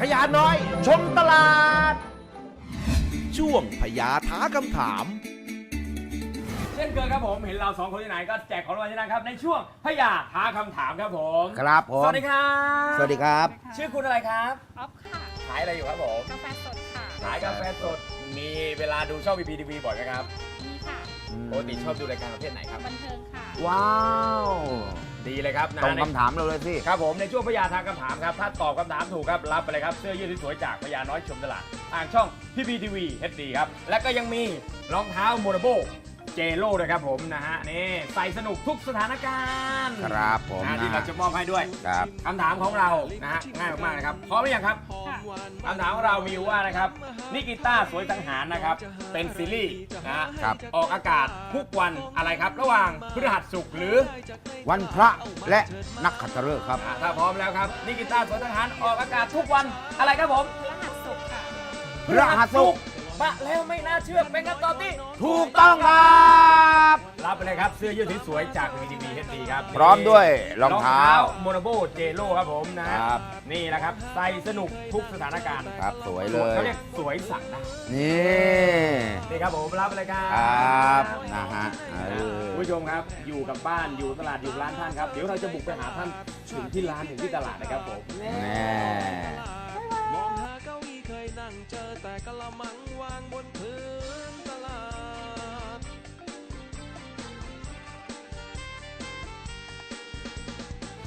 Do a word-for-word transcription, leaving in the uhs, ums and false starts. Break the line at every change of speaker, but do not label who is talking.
พญาน้อยชมตลาด
ช่วงพญาท้าคำถาม
เช่นเคยครับผมเห็นเราสองคนที่ไหนก็แจกของรางวัลที่นั่นครับในช่วงพญาท้าคำถามครับผม
ครับผม
สวัสดีครับ
สวัสดีครับ
ชื่อคุณอะไรครับ
ออฟค่ะ
ขายอะไรอยู่ครับผม
กาแฟสดค่ะ
ขายกาแฟสดมีเวลาดูช่อง วี พี ที วี บ่อยไหมครับ
มีค่ะ
ปกติชอบดูรายการประเภทไหนครับ
บันเทิงค่ะ
ว้าว
ดีเลยครับนะ
ตรง
ใน
คำถามเราเลยสิ
ครับผมในช่วงพญาท้าคำถามครับถ้าตอบคำถามถูกครับรับไปเลยครับเสื้อยืดสวยๆจากพญาน้อยชมตลาดทางช่อง พี พี ที วี เอช ดี ครับและก็ยังมีรองเท้าโมนาโบเจโร่ด้วยครับผมนะฮะนี่ใส่สนุกทุกสถานการณ์
ครับผม
นะ
นะ
ที่เราจะมอบให้ด้วย
ครับ
คำถามของเรานะฮะง่ายมากๆนะครับพร้อมหรือยังครับ
ค่ะ
คำถามของเรามีอยู่ว่านะครับนิกิต้าสวยสังหารนะครับเป็นซีรีส์นะฮะ
ครับ
ออกอากาศทุกวันอะไรครับ ระหว่างพฤหัสศุกร์หรือ
วันพระและนักขัตฤกษ์ครับ
อ่ะถ้าพร้อมแล้วครับนิกิต้าสวยสังหารออกอากาศทุกวันอะไรครับผม
พฤหัสศุกร์ค่ะ
พฤหัสศุกร์
ปะแล้วไม่น่าเชื่อเป็นคำตอบที่
ถูกต้องครับ
รับไปเลยครับเสื้อยืดสวยๆจาก วี ที วี เอช ดี ครับ
พร้อมด้วยรองเท้า
โมนาโบเจโร่ครับผมนะฮะ
ครับ
นี่แหละครับใส่สนุกทุกสถานการณ์
ครับสวยเลย
เขาเรียกสวยสั่งได้
นี่
นี่ครับผมรับไปเลยครับ
ครับนะฮะเออ
คุณผู้ชมครับอยู่กับบ้านอยู่ตลาดอยู่ร้านท่านครับเดี๋ยวเราจะบุกไปหาท่านถึงที่ร้านถึงที่ตลาดนะครับผม
แน่
มองหาเก้าอี้เคยนั่งเจอแต่กะละมังวางบนพื้น